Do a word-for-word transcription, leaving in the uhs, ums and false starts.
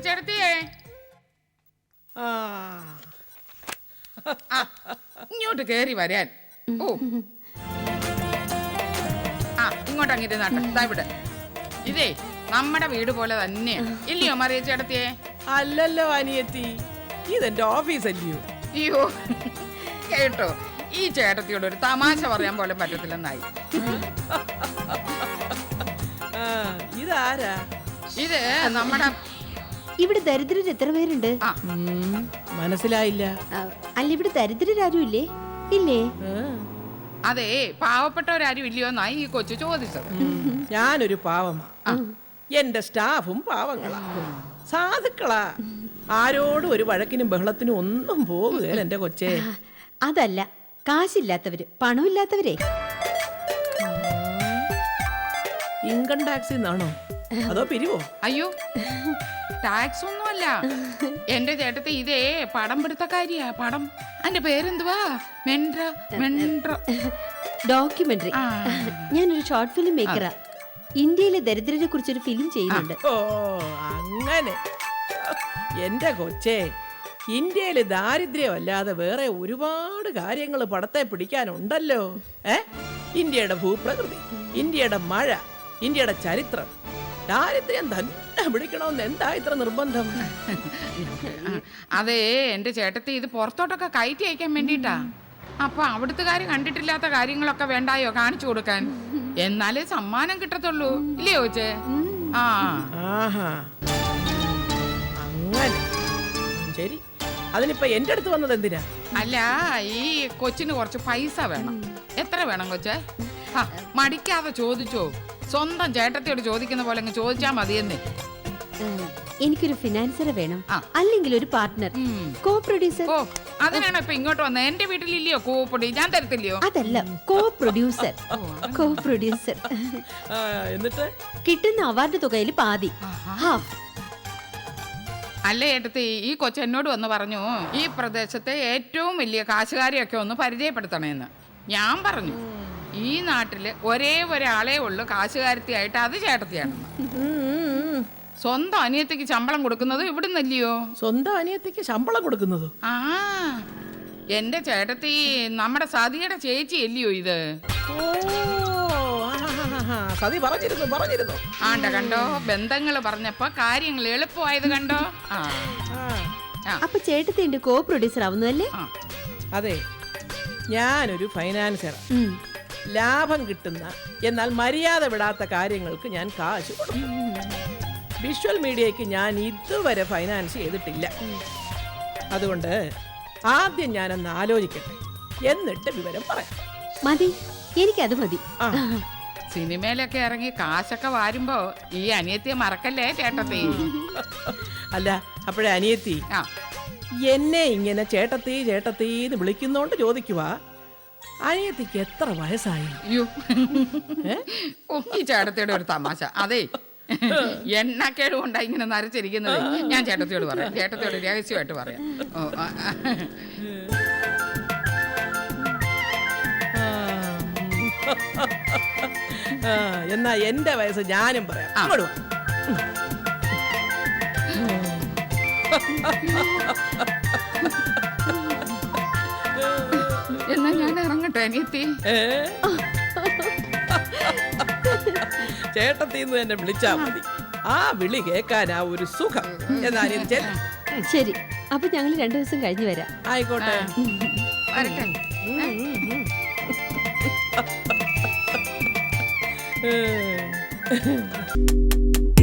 മറിയച്ചേടത്തിയേ, ഇങ്ങോട്ട് കേറി വരാൻ. ഓ ആ ഇങ്ങോട്ട് അങ്ങനെ നട്ടെ ഇവിടെ. ഇതേ നമ്മുടെ വീട് പോലെ തന്നെ ഇല്ലയോ മറിയച്ചേടത്തിയേ? അല്ലല്ലോ അനിയത്തി, ഇതെന്റെ ഓഫീസ് അല്ലയോ? അയ്യോ കേട്ടോ, ഈ ചേട്ടത്തിയോട് ഒരു തമാശ പറയാൻ പോലും പറ്റത്തില്ലെന്നായി. ഇതാരാ? ഇത് നമ്മുടെ ഇവിടെ ദരിദ്രർ എത്ര പേരുണ്ട്? മനസ്സിലായില്ല. അല്ല ഇവിടെ ദരിദ്രരാരും ഇല്ലേ? ഇല്ലേ? അതെ, പാവപ്പെട്ടവരാരും ഇല്ലയോ എന്നായി ഈ കൊച്ചു ചോദിച്ചത്. ഞാനൊരു പാവമാ, എന്റെ സ്റ്റാഫും പാവങ്ങളാ, സാധുക്കളാ. ആരോടും ഒരു വഴക്കിനും ബഹളത്തിനും ഒന്നും പോകുകയല്ല എന്റെ കൊച്ചേ. അതല്ല, കാശില്ലാത്തവര്, പണമില്ലാത്തവരെ. ഇൻകം ടാക്സിൽ നിന്നാണോ അതോ പിരിവോ? അയ്യോ, ടാക്സ് ഒന്നുമല്ല എന്റെ ചേട്ടത്തെ. ഇതേ പടം പിടുത്തക്കാരിയാ. പടം അതിന്റെ പേരെന്തുവാ? മെൻട്ര മെൻട്ര ഡോക്യുമെന്ററി. ഞാനൊരു ഷോർട്ട് ഫിലിം മേക്കറാ. ഇന്ത്യയിലെ ദരിദ്രരെ കുറിച്ചൊരു ഫിലിം ചെയ്യുന്നുണ്ട്. ഓ അങ്ങനെ. എന്റെ കൊച്ചേ, ഇന്ത്യയില് ദാരിദ്ര്യമല്ലാതെ വേറെ ഒരുപാട് കാര്യങ്ങൾ പടത്തെ പിടിക്കാനുണ്ടല്ലോ. ഏ ഇന്ത്യയുടെ ഭൂപ്രകൃതി, ഇന്ത്യയുടെ മഴ, ഇന്ത്യയുടെ ചരിത്രം. ദാരിദ്ര്യം തന്നെ പിടിക്കണമെന്ന് എന്താ ഇത്ര നിർബന്ധം? അതെ, എന്റെ ചേട്ടത്തി ഇത് പുറത്തോട്ടൊക്കെ കയറ്റി അയക്കാൻ വേണ്ടിട്ടാ. അപ്പൊ അവിടുത്തെ കാര്യം കണ്ടിട്ടില്ലാത്ത കാര്യങ്ങളൊക്കെ വേണ്ടായോ കാണിച്ചു കൊടുക്കാൻ? എന്നാലേ സമ്മാനം കിട്ടത്തുള്ളൂ, ഇല്ലയോ ചോദിച്ചേ? ആ അങ്ങനെ. ശരി, അതിനിപ്പോ എന്റെ അടുത്ത് വന്നത് എന്തിനാ? അല്ല, ഈ കൊച്ചിന് കുറച്ച് പൈസ വേണം. എത്ര വേണം കൊച്ചേ? മടിക്കാതെ ചോദിച്ചോ, സ്വന്തം ചേട്ടത്തിയോട് ചോദിക്കുന്ന പോലെ അങ്ങ് ചോദിച്ചാ മതിയെന്നേ. എനിക്കൊരു ഫിനാൻസറെ വേണം, അല്ലെങ്കിൽ ഒരു പാർട്ട്ണർ, കോ പ്രൊഡ്യൂസർ. ഓ അതിനാണ് ഇപ്പൊ ഇങ്ങോട്ട് വന്നത്. എന്റെ വീട്ടിലില്ലയോ കൂപ്പൊടി? ഞാൻ തരത്തില്ലയോ? അതല്ല, കോ പ്രൊഡ്യൂസർ. Co producer. എന്നിട്ട് കിട്ടുന്ന അവാർഡ് തുകയിൽ പാതി, ഹാഫ്. അല്ലേ ഏട്ടത്തി, ഈ കൊച്ചെന്നോട് വന്ന് പറഞ്ഞു ഈ പ്രദേശത്തെ ഏറ്റവും വലിയ കാശുകാരെയൊക്കെ ഒന്ന് പരിചയപ്പെടുത്തണേന്ന്. ഞാൻ പറഞ്ഞു ഈ നാട്ടില് ഒരേ ഒരാളേ ഉള്ളു കാശുകാരത്തിയായിട്ട്, അത് ചേട്ടത്തിയാണ്. സ്വന്തം അനിയത്തിക്ക് ശമ്പളം കൊടുക്കുന്നത് ഇവിടുന്നല്ലയോ? സ്വന്തം അനിയത്തിക്ക് ശമ്പളം കൊടുക്കുന്നത്? ആ എന്റെ ചേട്ടത്തി നമ്മുടെ സതിയുടെ ചേച്ചി അല്ലയോ ഇത്? സതി പറഞ്ഞിരുന്നു പറഞ്ഞിരുന്നു ആണ്ട കണ്ടോ, ബന്ധങ്ങള് പറഞ്ഞപ്പോ കാര്യങ്ങൾ എളുപ്പമായത് കണ്ടോ. അപ്പൊ ചേട്ടത്തിന്റെ കോ പ്രൊഡ്യൂസർ ആവുന്നതല്ലേ? അതെ, ഞാനൊരു ഫൈനാൻസർ. ലാഭം കിട്ടുന്ന എന്നാൽ മര്യാദ വിടാത്ത കാര്യങ്ങൾക്ക് ഞാൻ കാശ് കൊടുക്കും. വിഷ്വൽ മീഡിയയ്ക്ക് ഞാൻ ഇതുവരെ ഫൈനാൻസ് ചെയ്തിട്ടില്ല. അതുകൊണ്ട് ആദ്യം ഞാനൊന്ന് ആലോചിക്കട്ടെ, എന്നിട്ട് വിവരം പറയാം. മതി, എനിക്കത് മതി. സിനിമയിലൊക്കെ ഇറങ്ങി കാശൊക്കെ വാരുമ്പോ ഈ അനിയത്തിയെ മറക്കല്ലേ ചേട്ടത്തി? അല്ല, അപ്പോഴേ അനിയത്തി എന്നെ ഇങ്ങനെ ചേട്ടത്തി ചേട്ടത്തി എന്ന് വിളിക്കുന്നോണ്ട് ചോദിക്കുവാ, അനിയത്തിക്ക് എത്ര വയസ്സായി? അയ്യോ, ഈ ചേട്ടത്തിയുടെ ഒരു തമാശ. അതെ, എണ്ണക്കേട് കൊണ്ടാ ഇങ്ങനെ നരച്ചിരിക്കുന്നത്. ഞാൻ ചേട്ടത്തിയോട് പറയാം, ചേട്ടത്തിയോട് രഹസ്യമായിട്ട് പറയാം. എന്നാ എന്റെ വയസ്സ് ഞാനും പറയാം. എന്നാ ഞാൻ ഇറങ്ങട്ടെ അനിയത്തി? ചേട്ടത്തിന്ന് തന്നെ വിളിച്ചാ മതി, ആ വിളി കേൾക്കാനാ ഒരു സുഖം. എന്നാ ശരി, അപ്പൊ ഞങ്ങൾ രണ്ടു ദിവസം കഴിഞ്ഞ് വരാം. ആയിക്കോട്ടെ. വരട്ടെ.